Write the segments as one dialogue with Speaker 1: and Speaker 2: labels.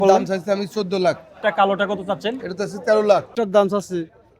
Speaker 1: দাম চাইছি আমি 14 লাখ।
Speaker 2: এটা কালোটা কত চাচ্ছেন?
Speaker 1: এটা তো আছে 13 লাখ।
Speaker 3: এটার দাম চাচ্ছি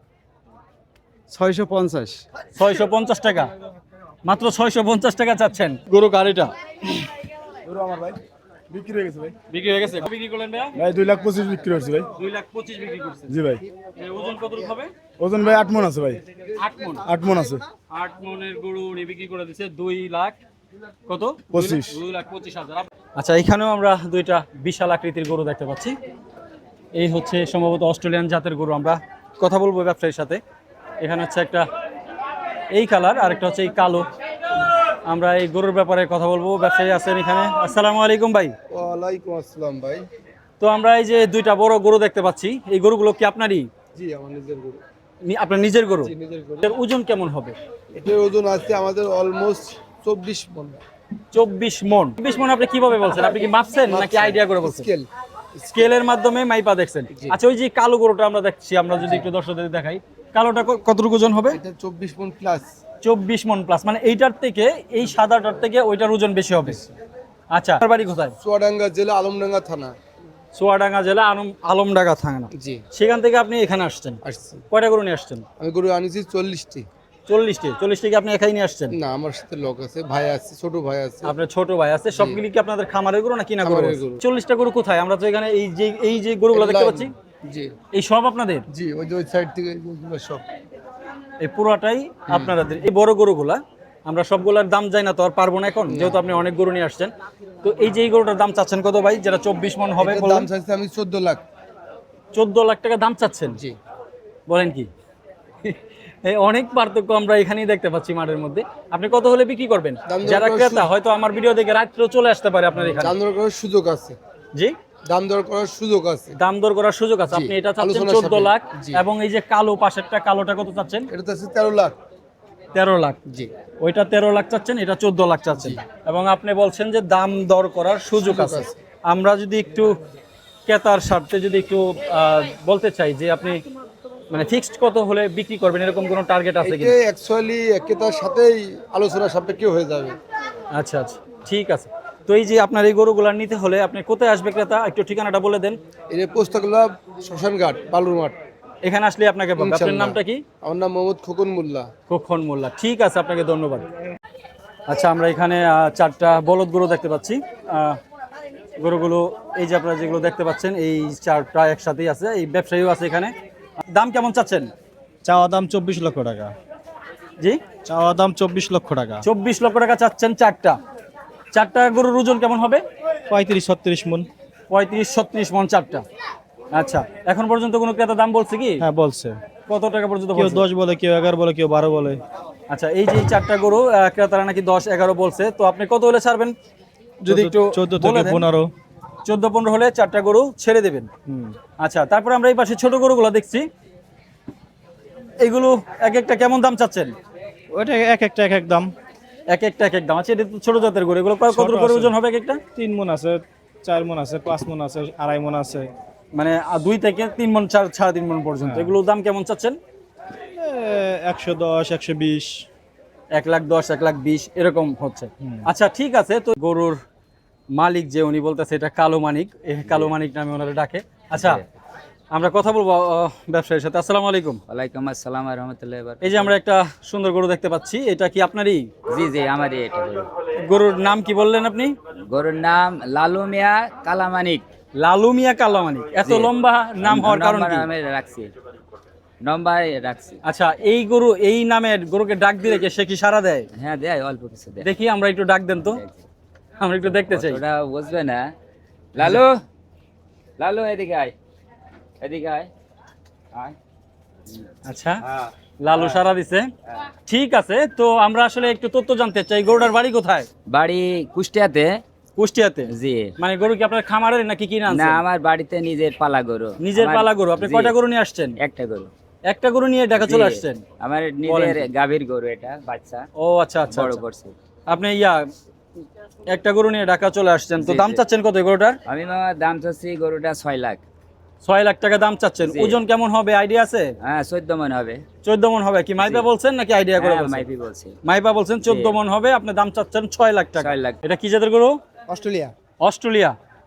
Speaker 3: 650।
Speaker 2: 650 টাকা, মাত্র 650 টাকা চাচ্ছেন গরু গাড়িটা।
Speaker 4: গরু আমার ভাই বিক্রি হয়ে গেছে ভাই।
Speaker 2: বিক্রি হয়ে গেছে? বিক্রি করলেন ভাইয়া?
Speaker 4: ভাই 2,25,000 বিক্রি হয়েছে ভাই।
Speaker 2: 2,25,000 বিক্রি করছেন।
Speaker 4: জি ভাই।
Speaker 2: এর ওজন কতটুকু হবে?
Speaker 4: ওজন ভাই 8 মণ আছে ভাই।
Speaker 2: 8 মণ।
Speaker 4: 8 মণ আছে।
Speaker 2: 8 মণের গরু উনি বিক্রি করে দিচ্ছে 2 লাখ কত?
Speaker 4: 25।
Speaker 2: 2,25,000। আচ্ছা, এখানেও আমরা দুইটা বিশাল আকৃতির গরু দেখতে পাচ্ছি। এই হচ্ছে সম্ভবত অস্ট্রেলিয়ান জাতের গরু। আমরা কথা বলবো ব্যবসায়ীর সাথে। এখানে হচ্ছে একটা এই কালার আর একটা হচ্ছে এই কালো। আমরা এই গরুর ব্যাপারে কথা বলবো। ব্যবসায়ী আছেন এখানে। আসসালামু আলাইকুম ভাই।
Speaker 1: ওয়ালাইকুম আসসালাম ভাই।
Speaker 2: তো আমরা এই যে দুইটা বড় গরু দেখতে পাচ্ছি, এই গরুগুলো কি আপনারই?
Speaker 1: জি আমার নিজের গরু।
Speaker 2: আপনার নিজের গরু?
Speaker 1: জি নিজের গরু।
Speaker 2: এর ওজন কেমন হবে?
Speaker 1: এটার ওজন আছে আমাদের অলমোস্ট 24 মণ।
Speaker 2: 24 মণ। 24 মণ আপনি কিভাবে বলছেন? আপনি কি মাপছেন নাকি আইডিয়া করে বলছেন?
Speaker 1: স্কেল।
Speaker 2: স্কেলের মাধ্যমে মাইপা দেখছেন। আচ্ছা, ওই যে কালো গরুটা আমরা দেখছি, আমরা যদি একটু দর্শকদের দেখাই, কালোটা কতটুকু ওজন হবে?
Speaker 1: এটা 24 মণ প্লাস।
Speaker 2: 24 মণ প্লাস, মানে এইটার থেকে এই সাদাটার থেকে ওইটার ওজন বেশি হবে। আচ্ছা, আপনার বাড়ি কোথায়?
Speaker 1: চুয়াডাঙ্গা জেলা আলমডাঙ্গা থানা।
Speaker 2: চুয়াডাঙ্গা জেলা আলমডাঙ্গা থানা।
Speaker 1: জি
Speaker 2: সেখান থেকে আপনি এখানে আসছেন?
Speaker 1: আসছি।
Speaker 2: কয়টা গরু নিয়ে আসছেন?
Speaker 1: আমি গরু আনিছি 40টি।
Speaker 2: 40টি কি আপনি একাই নিয়ে আসছেন?
Speaker 1: না আমার সাথে লোক আছে, ভাই আছে, ছোট ভাই আছে।
Speaker 2: আপনার ছোট ভাই আছে? সবগুলি কি আপনাদের খামারের গরু না কিনা গরু?
Speaker 1: খামারের গরু।
Speaker 2: 40টা গরু কোথায়? আমরা তো এখানে এই যে গরুগুলো দেখতে পাচ্ছি,
Speaker 1: জি
Speaker 2: এই সব আপনাদের?
Speaker 1: জি ওই যে ওই সাইড থেকে এগুলো সব।
Speaker 2: এই পুরাটাই আপনাদের? এই বড় গরুগুলা আমরা সবগুলার দাম যাই না তো আর পারবো না এখন, যেহেতু আপনি অনেক গরু নিয়ে আসছেন। তো এই যে এই গরুটার দাম চাচ্ছেন কত ভাই, যেটা 24 মণ হবে?
Speaker 1: এটার দাম চাইছি আমি 14 লাখ।
Speaker 2: 14 লাখ টাকা দাম চাচ্ছেন?
Speaker 1: জি
Speaker 2: বলেন কি? এই অনেক পার্থক্য আমরা এখানেই দেখতে পাচ্ছি মাঠের মধ্যে। আপনি কত হলে বিক্রি করবেন?
Speaker 1: দাম দর
Speaker 2: যারা
Speaker 1: করার
Speaker 2: ক্রেতা হয়তো আমার ভিডিও দেখে রাত্রেও চলে আসতে পারে আপনার এখানে।
Speaker 1: দাম দর করার সুযোগ আছে।
Speaker 2: জি,
Speaker 1: দাম দর করার সুযোগ আছে।
Speaker 2: দাম দর করার সুযোগ আছে।
Speaker 1: জি,
Speaker 2: আপনি এটা চাচ্ছেন
Speaker 1: আলোচনার
Speaker 2: 14
Speaker 1: সাপেক্ষে।
Speaker 2: লাখ।
Speaker 1: জি।
Speaker 2: এবং এই যে কালো পাশেরটা, কালোটা কত চাচ্ছেন?
Speaker 1: এটা তো আছে 13 লাখ।
Speaker 2: 13 লাখ।
Speaker 1: জি
Speaker 2: ওইটা 13 লাখ চাচ্ছেন, এটা 14 লাখ চাচ্ছেন। এবং আপনি বলছেন যে দাম দর করার সুযোগ আছে।
Speaker 1: আছে।
Speaker 2: আমরা যদি একটু ক্রেতার স্বার্থে যদি একটু বলতে চাই যে আপনি মানে ফিক্সড কত হলে বিক্রি করবেন, এরকম কোনো টার্গেট আছে কি?
Speaker 1: এটা অ্যাকচুয়ালি ক্রেতার সাথেই আলোচনা সাপেক্ষে হয়ে যাবে।
Speaker 2: আচ্ছা আচ্ছা, ঠিক আছে। তো এই যে আপনার এই গরুগুলা নিতে হলে আপনি কোথায় আসবে ক্রেতা, একটু ঠিকানাটা বলে দেন।
Speaker 1: এই যে পোস্তাগুলা শ্মশানঘাট বালুর মাঠ।
Speaker 2: এখানে আসলে আপনাকে পাবো। আপনার
Speaker 1: ইনশাল্লাহ।
Speaker 2: নামটা কি?
Speaker 1: আমার নাম মোহাম্মদ খোকন মোল্লা।
Speaker 2: কখন মোল্লা। ঠিক আছে, আপনাকে ধন্যবাদ। আচ্ছা, আমরা এখানে 4টা বলদ গরু দেখতে পাচ্ছি। গরুগুলো এই যে আপনারা যেগুলো দেখতে পাচ্ছেন, এই 4টা একসাথেই আছে। এই ব্যবসায়ীও আছে এখানে। দাম কেমন চাচ্ছেন?
Speaker 3: চাওয়া দাম 24 লক্ষ টাকা।
Speaker 2: জি,
Speaker 3: চাওয়া দাম 24 লক্ষ টাকা।
Speaker 2: 24 লক্ষ টাকা চাচ্ছেন 4টা গরুর ওজন কেমন হবে?
Speaker 3: 35-36 মণ।
Speaker 2: 35-36 মণ 4টা। আচ্ছা, এখন পর্যন্ত কোনো ক্রেতা দাম বলছে কি?
Speaker 3: হ্যাঁ বলছে।
Speaker 2: কত টাকা পর্যন্ত
Speaker 3: কেউ
Speaker 2: বলছে?
Speaker 3: 10 বলে, কেউ 11 বলে, কেউ 12 বলে।
Speaker 2: আচ্ছা, এই যে এই 4টা গরু ক্রেতারা নাকি 10-11 বলছে। তো আপনি কত হলে ছাড়বেন যদি একটু
Speaker 3: 14
Speaker 2: বলে
Speaker 3: থেকে
Speaker 2: দেন?
Speaker 3: 15।
Speaker 2: 14-15 হলে 4টা গরু ছেড়ে দেবেন। আচ্ছা, তারপর আমরা এই পাশে ছোট গরুগুলো দেখছি। এগুলো এক একটা কেমন দাম চাচ্ছেন?
Speaker 3: ওইটা এক একটা এক এক দাম।
Speaker 2: এক একটা এক এক দাম। আচ্ছা, এটা তো ছোট জাতের গরু। এগুলো কত
Speaker 3: ছোট
Speaker 2: করে
Speaker 3: আছে।
Speaker 2: ওজন হবে এক একটা?
Speaker 3: 3 মণ আছে, 4 মণ আছে, 5 মণ আছে, 2.5 মণ আছে।
Speaker 2: মানে 2 থেকে 3 মণ, 4.5 মণ পর্যন্ত। এগুলোর দাম কেমন চাচ্ছেন?
Speaker 3: 110, 120।
Speaker 2: 1,10,000, 1,20,000 এরকম হচ্ছে। আচ্ছা, ঠিক আছে। তো গরুর মালিক যে উনি বলতেছে এটা কালো মানিক, এই কালো মানিক নামে ওনারা ডাকে। আচ্ছা, আমরা কথা বলবো ব্যবসায়ীর সাথে। আসসালামু আলাইকুম।
Speaker 5: ওয়ালাইকুম আসসালাম ওয়া রাহমাতুল্লাহি ওয়া বারাকাতুহু।
Speaker 2: এই যে আমরা একটা সুন্দর গরু দেখতে পাচ্ছি, এটা কি আপনারই?
Speaker 5: জি জি আমারই এটা গরু।
Speaker 2: গরুর নাম কি বললেন আপনি?
Speaker 5: গরুর নাম লালু মিয়া কালামানিক।
Speaker 2: লালু মিয়া কালো মানিক। এত
Speaker 5: জি।
Speaker 2: লম্বা নাম হওয়ার কারণ কি?
Speaker 5: আমি রাখছি, নম্বর রাখছি।
Speaker 2: আচ্ছা, এই গরু এই নামের গরুকে ডাক দিলে কি সে কি সাড়া দেয়?
Speaker 5: হ্যাঁ দেয়, অল্প কিছু দেয়।
Speaker 2: দেখি, আমরা একটু ডাক দেন তো, আমরা একটু দেখতে চাই।
Speaker 5: ওটা বুঝবে না। লালু, লালু এদিকে আয়, এদিকে আয়, আয়।
Speaker 2: আচ্ছা, লালু সারা দিছে। ঠিক আছে। তো আমরা আসলে একটু তথ্য জানতে চাই, গরুটার বাড়ি কোথায়?
Speaker 5: বাড়ি কুষ্টিয়াতে।
Speaker 2: কুষ্টিয়াতে?
Speaker 5: জি।
Speaker 2: মানে গরু কি আপনার খামারের নাকি কিনে
Speaker 5: না,
Speaker 2: আনছেন?
Speaker 5: আমার বাড়িতে নিজের পালা গরু।
Speaker 2: নিজের
Speaker 5: আমার-
Speaker 2: পালা গরু। আপনি
Speaker 5: জি,
Speaker 2: কয়টা গরু নিয়ে আসছেন?
Speaker 5: একটা গরু।
Speaker 2: একটা গরু নিয়ে ঢাকা চলে আসছেন?
Speaker 5: আমার
Speaker 2: বলেন
Speaker 5: নিজের
Speaker 2: কি?
Speaker 5: গাভীর গরু, এটা বাচ্চা
Speaker 2: ও আচ্ছা আচ্ছা
Speaker 5: বড়
Speaker 2: আচ্ছা।
Speaker 5: করছে।
Speaker 2: আপনি একটা গরু নিয়ে ঢাকা চলে আসছেন। তো
Speaker 5: জি,
Speaker 2: দাম
Speaker 5: জি।
Speaker 2: চাচ্ছেন কত এই গরুটার?
Speaker 5: আমি মামা দাম চাচ্ছি গরুটা 6 লাখ।
Speaker 2: 6 লাখ টাকা দাম চাচ্ছেন।
Speaker 5: জি।
Speaker 2: ওজন কেমন হবে আইডিয়া আছে?
Speaker 5: হ্যাঁ 14 মণ হবে।
Speaker 2: 14 মণ হবে। কি মাইপা
Speaker 5: জি।
Speaker 2: বলছেন নাকি আইডিয়া করে
Speaker 5: হ্যাঁ,
Speaker 2: বলছেন?
Speaker 5: মাইপি বলছি।
Speaker 2: মাইপা বলছেন 14 মণ হবে। আপনি দাম চাচ্ছেন 6 লাখ টাকা।
Speaker 5: 6 লাখ।
Speaker 2: এটা কি জাতের গরু?
Speaker 1: অস্ট্রেলিয়া।
Speaker 2: অস্ট্রেলিয়া।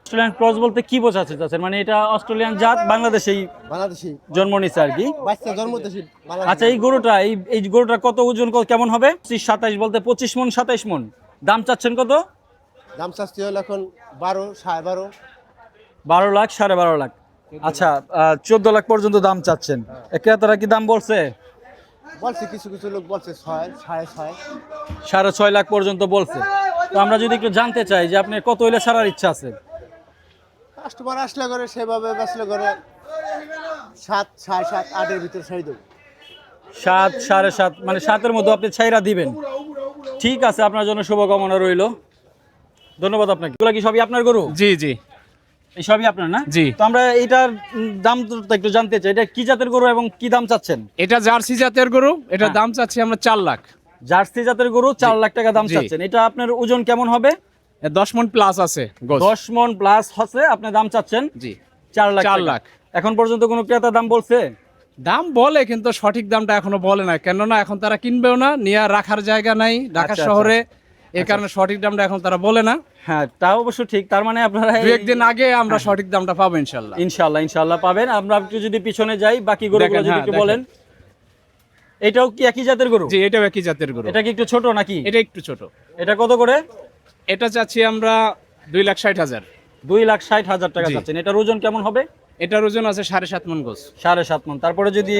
Speaker 2: অস্ট্রেলিয়ান ক্রস বলতে কি বোঝাতে চাচ্ছেন? মানে এটা অস্ট্রেলিয়ান জাত বাংলাদেশেই
Speaker 1: বাংলাদেশি
Speaker 2: জন্ম নিচ্ছে আর কি।
Speaker 1: বাচ্চা জন্মতেছি
Speaker 2: আচ্ছা এই গরুটা এই গরুটা কত ওজন কেমন হবে? 27 বলতে 25 মন 27 মন। দাম চাচ্ছেন কত?
Speaker 1: দাম চাচ্ছি হলো এখন 12 12.5
Speaker 2: 12 লাখ 12.5 লাখ। আচ্ছা 14 লাখ পর্যন্ত দাম চাচ্ছেন। ক্রেতারা কি দাম বলছে?
Speaker 1: বলছে কিছু কিছু লোক বলছে 6 6.5
Speaker 2: 6.5 লাখ পর্যন্ত বলছে। তো আমরা যদি একটু জানতে চাই যে আপনি কত হইলে ছাড়ার ইচ্ছা আছে?
Speaker 1: কাস্টমার আসলে করে সেভাবে বেচলে করে 7 7.5 8 এর ভিতর ছাড়ি দেব।
Speaker 2: 7 7.5 মানে 7 এর মধ্যে আপনি ছাইরা দিবেন। ঠিক আছে, আপনার জন্য শুভকামনা রইল। ধন্যবাদ আপনাকে। এগুলো কি সবই আপনার গরু?
Speaker 3: জি জি
Speaker 2: এই সবই আপনার না?
Speaker 3: জি।
Speaker 2: তো আমরা এটার দাম তো একটু জানতে চাই। এটা কি জাতের গরু এবং কি দাম চাচ্ছেন?
Speaker 3: এটা জার্সি জাতের গরু, এটার
Speaker 2: হ্যাঁ।
Speaker 3: দাম চাচ্ছি আমরা 4 লাখ।
Speaker 2: জার্সি জাতের গরু 4 লাখ টাকা দাম
Speaker 3: জি।
Speaker 2: চাচ্ছেন। এটা আপনার ওজন কেমন হবে?
Speaker 3: 10 মণ প্লাস আছে গোস।
Speaker 2: 10 মন প্লাস হচ্ছে আপনি দাম চাচ্ছেন
Speaker 3: জি
Speaker 2: 4 লাখ
Speaker 3: 4
Speaker 2: টাকা।
Speaker 3: লাখ।
Speaker 2: এখন পর্যন্ত কোনো ক্রেতা দাম বলছে?
Speaker 3: দাম বলে কিন্তু সঠিক দামটা এখনো বলে না, কেননা এখন তারা কিনবেও না, নিয়ে রাখার জায়গা নাই ঢাকা
Speaker 2: আচ্ছা,
Speaker 3: শহরে, এই কারণে সঠিক দামটা এখন তারা বলে না।
Speaker 2: হ্যাঁ তা অবশ্য ঠিক। তার মানে আপনারা
Speaker 3: দু একদিন আগে আমরা সঠিক দামটা পাবো ইনশাল্লাহ।
Speaker 2: ইনশাআল্লাহ পাবেন। আমরা একটু যদি পিছনে যাই বাকি গরুগুলো
Speaker 3: দেখেন,
Speaker 2: যদি
Speaker 3: হ্যাঁ,
Speaker 2: একটু
Speaker 3: দেখেন।
Speaker 2: বলেন। এটাও কি একই জাতের গরু?
Speaker 3: জি এটাও একই জাতের গরু।
Speaker 2: এটা কি একটু ছোট নাকি?
Speaker 3: এটা একটু ছোট।
Speaker 2: এটা কত করে?
Speaker 3: এটা চাচ্ছি আমরা 2,60,000।
Speaker 2: 2,60,000 টাকা
Speaker 3: জি।
Speaker 2: চাচ্ছেন। এটার ওজন কেমন হবে?
Speaker 3: এটার ওজন আছে 7.5 মণ গোস।
Speaker 2: 7.5 মন। তারপরে যদি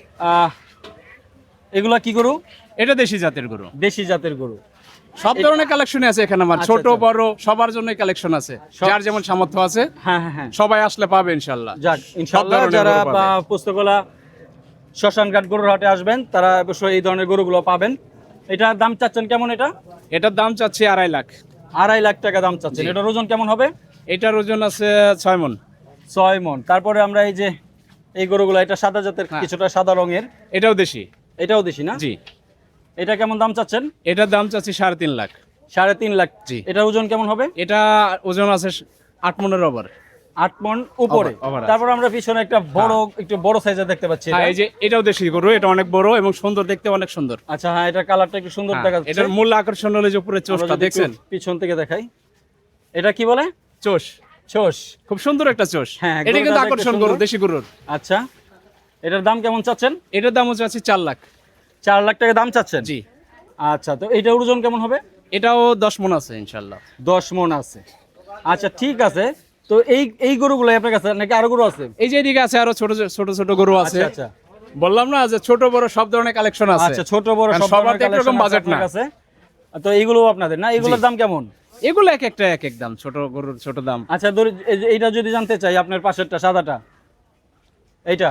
Speaker 2: এগুলা কি গরু?
Speaker 3: এটা দেশি জাতের গরু।
Speaker 2: দেশি জাতের গরু।
Speaker 3: সব ধরনের কালেকশন আছে এখানে আমার,
Speaker 2: আচ্ছা,
Speaker 3: ছোট
Speaker 2: আচ্ছা।
Speaker 3: বড় সবার জন্য কালেকশন আছে, যার যেমন সামর্থ্য আছে
Speaker 2: হ্যাঁ
Speaker 3: সবাই আসলে পাবে ইনশাল্লাহ।
Speaker 2: যাক ইনশাআল্লাহ
Speaker 3: ধরনের
Speaker 2: যারা
Speaker 3: গরু পাবে।
Speaker 2: পুস্তকলা শ্মশানঘাট গরুর হাটে আসবেন তারা অবশ্যই এই ধরনের গরুগুলো পাবেন। এটার দাম চাচ্ছেন কেমন?
Speaker 3: এটার দাম চাচ্ছি 2.5 লাখ।
Speaker 2: 2.5 লাখ টাকা দাম চাচ্ছেন।
Speaker 3: জি।
Speaker 2: এটার ওজন কেমন হবে?
Speaker 3: এটার ওজন আছে 6 মণ।
Speaker 2: 6 মন। তারপরে আমরা এই যে এই গরুগুলো, এটা সাদা জাতের,
Speaker 3: হ্যাঁ।
Speaker 2: কিছুটা সাদা রঙের,
Speaker 3: এটাও দেশি।
Speaker 2: এটাও দেশি না?
Speaker 3: জি
Speaker 2: এটা কেমন দাম চাচ্ছেন?
Speaker 3: এটার দাম চাচ্ছি 3.5 লাখ।
Speaker 2: 3.5 লাখ।
Speaker 3: জি।
Speaker 2: এটার ওজন কেমন হবে?
Speaker 3: এটা ওজন আছে 8 মণের ওভার।
Speaker 2: 8 মন উপরে।
Speaker 3: over আছে।
Speaker 2: তারপর আমরা পিছনে একটা বড় একটু বড় সাইজের দেখতে পাচ্ছি
Speaker 3: হ্যাঁ
Speaker 2: এটা।
Speaker 3: এই যে এটাও দেশি গরু, এটা অনেক বড় এবং সুন্দর, দেখতে অনেক সুন্দর।
Speaker 2: আচ্ছা হ্যাঁ, এটা কালারটা একটু সুন্দর
Speaker 3: হ্যাঁ,
Speaker 2: দেখা যাচ্ছে।
Speaker 3: এটার মূল আকর্ষণ হলো যে উপরে
Speaker 2: আমরা
Speaker 3: চোষটা
Speaker 2: যদি একটু
Speaker 3: দেখছেন,
Speaker 2: পিছন থেকে দেখাই। এটা কি বলে?
Speaker 3: চোষ।
Speaker 2: চোষ।
Speaker 3: খুব সুন্দর একটা চোষ।
Speaker 2: হ্যাঁ,
Speaker 3: এটা কিন্তু
Speaker 2: গরুটা দেখতে
Speaker 3: আকর্ষণ
Speaker 2: সুন্দর।
Speaker 3: গরু, দেশি গরুর।
Speaker 2: আচ্ছা এটার দাম কেমন চাচ্ছেন?
Speaker 3: এটার দাম হচ্ছে 4 লাখ।
Speaker 2: 4 লাখ টাকা দাম চাচ্ছেন?
Speaker 3: জি।
Speaker 2: আচ্ছা তো এইটার ওজন কেমন হবে?
Speaker 3: এটাও 10 মণ আছে ইনশাল্লাহ।
Speaker 2: 10 মন আছে। আচ্ছা ঠিক আছে। তো এই গরুগুলো আপনার কাছে নাকি আরো গরু আছে?
Speaker 3: এই যে এদিকে আছে আরো ছোট ছোট ছোট গরু আছে।
Speaker 2: আচ্ছা আচ্ছা
Speaker 3: বললাম না যে ছোট বড় সব ধরনের কালেকশন আছে।
Speaker 2: আচ্ছা ছোট বড়
Speaker 3: কারণ
Speaker 2: সব
Speaker 3: সবার
Speaker 2: ধরনের
Speaker 3: তো একরকম
Speaker 2: collection আছে
Speaker 3: বাজেট
Speaker 2: আপনার
Speaker 3: না।
Speaker 2: কাছে। তো এইগুলো আপনাদের না? এগুলোর
Speaker 3: জি।
Speaker 2: দাম কেমন?
Speaker 3: এগুলো এক একটা এক এক দাম, ছোট গরুর ছোট দাম।
Speaker 2: আচ্ছা এইটা যদি জানতে চাই, আপনার পাশেরটা সাদাটা, এইটা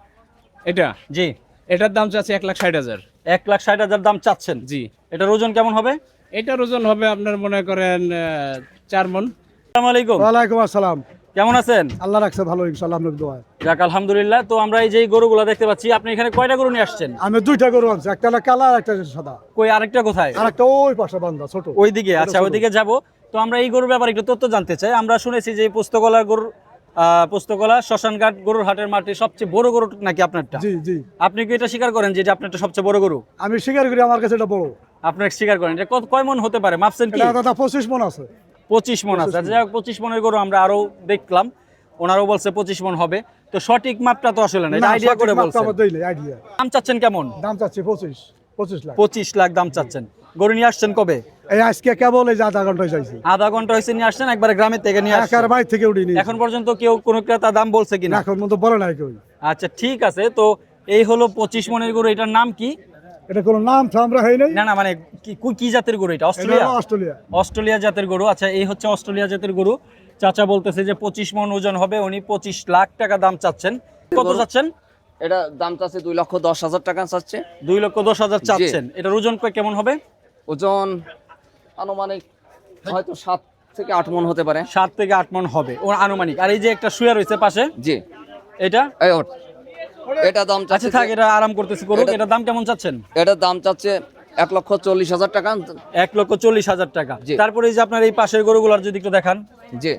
Speaker 3: এটা
Speaker 2: জি
Speaker 3: এটার দাম চাচ্ছি 1,60,000।
Speaker 2: 1,60,000 দাম চাচ্ছেন?
Speaker 3: জি।
Speaker 2: এটার ওজন কেমন হবে?
Speaker 3: এটার ওজন হবে আপনার মনে করেন 4 মণ।
Speaker 2: আসসালামু আলাইকুম।
Speaker 4: ওয়ালাইকুম আসসালাম।
Speaker 2: কেমন আছেন?
Speaker 4: আল্লাহ রাখছে ভালো, ইনশাআল্লাহ আপনার দোয়ায়।
Speaker 2: যাক আলহামদুলিল্লাহ। তো আমরা এই যে গরুগুলো দেখতে পাচ্ছি, আপনি এখানে কয়টা গরু নিয়ে আসছেন?
Speaker 4: আমি 2টা গরু আনছি, একটা হলো কালা আর একটা সাদা,
Speaker 2: কই আরেকটা কোথায়?
Speaker 4: আর একটা ওই পাশে বান্ধা ছোট।
Speaker 2: ওইদিকে? আচ্ছা ওইদিকে যাব। তো আমরা এই গরুর ব্যাপারে একটু তথ্য জানতে চাই। আমরা শুনেছি যে এই পুস্তকলা গরুর পুস্তকলা শ্মশানঘাট গরুর হাটের মাঠে সবচেয়ে বড় গরু নাকি আপনারটা?
Speaker 4: জি জি,
Speaker 2: আপনি কি এটা স্বীকার করেন যে এটা আপনারটা সবচেয়ে বড় গরু?
Speaker 4: আমি স্বীকার করি আমার কাছে এটা বড়।
Speaker 2: আপনি স্বীকার করেন? এটা কয় মন হতে পারে, মাপছেন কি?
Speaker 4: এটা দাদা 25 মণ আছে।
Speaker 2: 25 মন আছে। যাই হোক 25 মনের গরু আমরা আরো দেখলাম, ওনারও বলছে 25 মন হবে। তো সঠিক মাপটা তো আসলে না, এটা
Speaker 4: না,
Speaker 2: আইডিয়া
Speaker 4: সঠিক
Speaker 2: করে
Speaker 4: মাপটা
Speaker 2: বলছেন।
Speaker 4: আমার দেই নাই, আইডিয়া।
Speaker 2: দাম চাচ্ছেন কেমন?
Speaker 4: দাম চাচ্ছি 25 লাখ।
Speaker 2: 25 লাখ দাম চাচ্ছেন। গরু নিয়ে আসছেন কবে?
Speaker 4: এই আজকে কেবল এই যে আধা ঘন্টায় যাইছি,
Speaker 2: আধা ঘন্টা হয়েছে নিয়ে আসছেন, একবারে গ্রামের থেকে নিয়ে আসছেন?
Speaker 4: একার বাইর থেকে উঠি নি।
Speaker 2: এখন পর্যন্ত কেউ কোনো ক্রেতা দাম বলছে কিনা?
Speaker 4: এখন মতো বলে নাই কেউ।
Speaker 2: আচ্ছা ঠিক আছে। তো এই হলো 25 মনের গরু। এটার নাম কি?
Speaker 4: এটা কোনো নাম আমরা হয় নাই।
Speaker 2: না মানে কি জাতের গরু এটা?
Speaker 4: এটা
Speaker 2: অস্ট্রেলিয়া?
Speaker 4: হলো অস্ট্রেলিয়া।
Speaker 2: অস্ট্রেলিয়া জাতের গরু। আচ্ছা এই হচ্ছে অস্ট্রেলিয়া জাতের গরু। চাচা বলতেছে যে 25 মন ওজন হবে, উনি 25 লাখ টাকা দাম চাচ্ছেন। কত চাচ্ছেন?
Speaker 5: এটা দাম চাচ্ছে 2,10,000 টাকা চাচ্ছে।
Speaker 2: 2,10,000 চাচ্ছেন। এটার ওজন কেমন হবে?
Speaker 5: ওজন আনুমানিক হয়তো 7 থেকে 8 মণ হতে পারে।
Speaker 2: 7 থেকে 8 মন হবে ও আনুমানিক। আর এই যে একটা শুয়ে রয়েছে পাশে,
Speaker 5: জি
Speaker 2: এটা?
Speaker 5: এই ওঠ। এটা দাম
Speaker 2: আচ্ছা
Speaker 5: চাচ্ছে
Speaker 2: থাক, এটা আরাম করতেছি করুক।
Speaker 5: এটা-
Speaker 2: এটার দাম কেমন চাচ্ছেন?
Speaker 5: এটার দাম চাচ্ছে 1,40,000 টাকা।
Speaker 2: 1,40,000 টাকা।
Speaker 5: জি।
Speaker 2: তারপরে এই যে আপনার এই পাশের গরুগুলোর যদি একটু দেখান।
Speaker 5: জি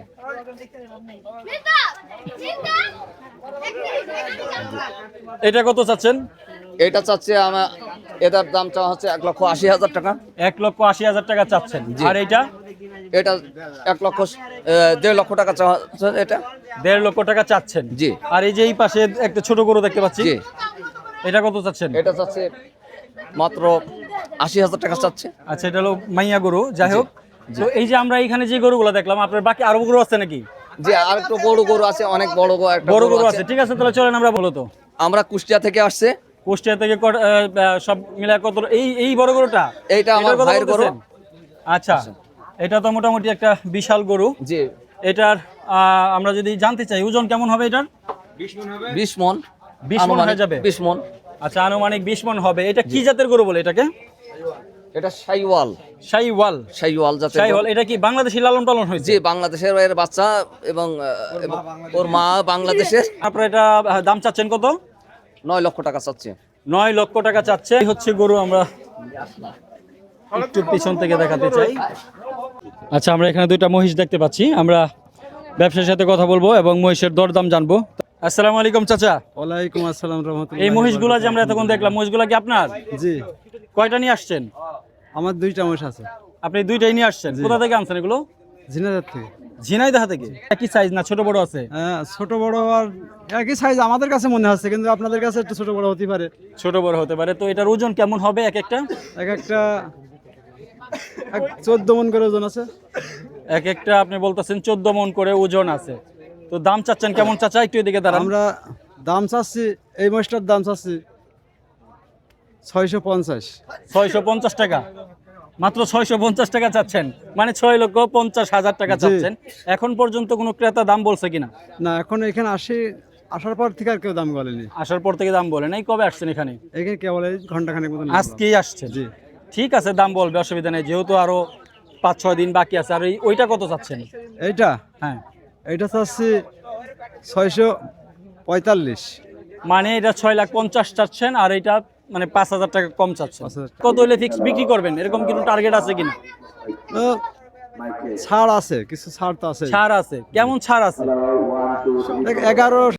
Speaker 2: এটা কত চাচ্ছেন?
Speaker 5: এটা চাচ্ছে এটার দাম চাওয়া হচ্ছে 1,80,000 টাকা।
Speaker 2: 1,80,000 টাকা চাচ্ছেন।
Speaker 5: জি।
Speaker 2: আর এইটা?
Speaker 6: এটা 1.5 লক্ষ টাকা চাওয়া হচ্ছে এটা।
Speaker 2: 1.5 লক্ষ টাকা চাচ্ছেন।
Speaker 6: জি।
Speaker 2: আর এই যে এই পাশে একটা ছোট গরু দেখতে পাচ্ছি,
Speaker 6: জি।
Speaker 2: এটা কত চাচ্ছেন?
Speaker 6: এটা চাচ্ছে মাত্র 80,000 টাকা চাচ্ছে।
Speaker 2: আচ্ছা, এটা হলো মাইয়া গরু। যাই হোক, তো এই যে আমরা এখানে যে গরুগুলো দেখলাম, আপনার বাকি আরো গরু আছে নাকি?
Speaker 6: জি, আর একটু বড় গরু আছে, অনেক বড় একটা
Speaker 2: বড় গরু আছে। ঠিক আছে, তাহলে চলেন আমরা বলো তো।
Speaker 6: আমরা কুষ্টিয়া থেকে আসছে।
Speaker 2: কুষ্টিয়া থেকে সব মিলে কত? এই বড় গরুটা,
Speaker 6: এইটা আমার
Speaker 2: এটার কথা
Speaker 6: ভাইয়ের গরু।
Speaker 2: বলতেছেন? আচ্ছা, এটা তো মোটামুটি একটা বিশাল গরু।
Speaker 6: জি।
Speaker 2: এটার আমরা যদি জানতে চাই ওজন কেমন হবে এটার?
Speaker 6: 20 মণ।
Speaker 2: 20 মণ হয়ে যাবে?
Speaker 6: 20 মণ।
Speaker 2: আচ্ছা, আনুমানিক 20 মণ হবে। এটা কি জাতের গরু বলে এটাকে?
Speaker 6: এটা শাইওয়াল।
Speaker 2: শাইওয়াল।
Speaker 6: শাইওয়াল জাতের।
Speaker 2: শাইওয়াল, এটা কি বাংলাদেশি লালন পালন হয়েছে?
Speaker 6: জি, বাংলাদেশের এর বাচ্চা এবং ওর মা বাংলাদেশের।
Speaker 2: আপনারা এটা দাম চাচ্ছেন কত?
Speaker 6: 9 লক্ষ টাকা চাচ্ছে।
Speaker 2: 9 লক্ষ টাকা চাচ্ছে। এই হচ্ছে গরু, আমরা একটু পিছন থেকে দেখাতে চাই। আচ্ছা, আমরা এখানে দুইটা মহিষ দেখতে পাচ্ছি। আমরা ব্যবসায়ীর সাথে কথা বলবো এবং মহিষের দরদাম জানবো। আসসালামু আলাইকুম চাচা।
Speaker 3: ওয়ালাইকুম আসসালাম রহমতুল্লাহ।
Speaker 2: এই মহিষগুলা যে আমরা এতক্ষণ দেখলাম, মহিষগুলা কি আপনার?
Speaker 3: জি,
Speaker 2: কয়টা নিয়ে আসছেন?
Speaker 3: আমার 2টা মহিষ আছে।
Speaker 2: আপনি 2টাই নিয়ে আসছেন? কোথা থেকে আনছেন এগুলো?
Speaker 3: ঝিনাইদহ থেকে।
Speaker 2: ঝিনাইদহ থেকে? একই সাইজ না ছোট বড় আছে?
Speaker 3: হ্যাঁ, ছোট বড় আর একই সাইজ আমাদের কাছে মনে হচ্ছে, কিন্তু আপনাদের কাছে একটু ছোট বড় হতে পারে।
Speaker 2: ছোট বড় হতে পারে। তো এটার ওজন কেমন হবে এক একটা?
Speaker 3: এক একটা 14 মণ করে ওজন আছে।
Speaker 2: এক একটা আপনি বলতেছেন 14 মণ করে ওজন আছে। তো দাম চাচ্ছেন কেমন চাচা? একটু এদিকে দাঁড়ান।
Speaker 3: আমরা দাম চাচ্ছি, এই মহিষটার দাম চাচ্ছি 650।
Speaker 2: 650 টাকা? মাত্র 650 টাকা চাচ্ছেন? মানে 6,50,000 টাকা
Speaker 3: জি।
Speaker 2: চাচ্ছেন। এখন পর্যন্ত কোনো ক্রেতা দাম বলছে কিনা?
Speaker 3: না, এখন এখানে আসার পর থেকে আর কেউ দাম বলেনি।
Speaker 2: আসার পর থেকে দাম বলে নাই? কবে আসছেন এখানে?
Speaker 3: এখানে কেবল এই ঘন্টাখানেক মতন।
Speaker 2: আজকেই আসছেন?
Speaker 3: জি।
Speaker 2: ঠিক আছে, দাম বলবে, অসুবিধা নেই, যেহেতু আরো 5-6 দিন বাকি আছে। আর ওইটা কত চাচ্ছেন?
Speaker 3: এইটা
Speaker 2: হ্যাঁ,
Speaker 3: এইটা চাচ্ছি 645।
Speaker 2: মানে এটা 6,50,000 চাচ্ছেন, আর এটা মানে 5,000 টাকা কম চাচ্ছেন।
Speaker 3: 5,000
Speaker 2: কত হলে ফিক্স বিক্রি করবেন, এরকম কোনো টার্গেট আছে কিনা?
Speaker 3: ছাড় আছে, কিছু ছাড় তো আছে।
Speaker 2: ছাড় আছে? কেমন ছাড় আছে?
Speaker 3: 11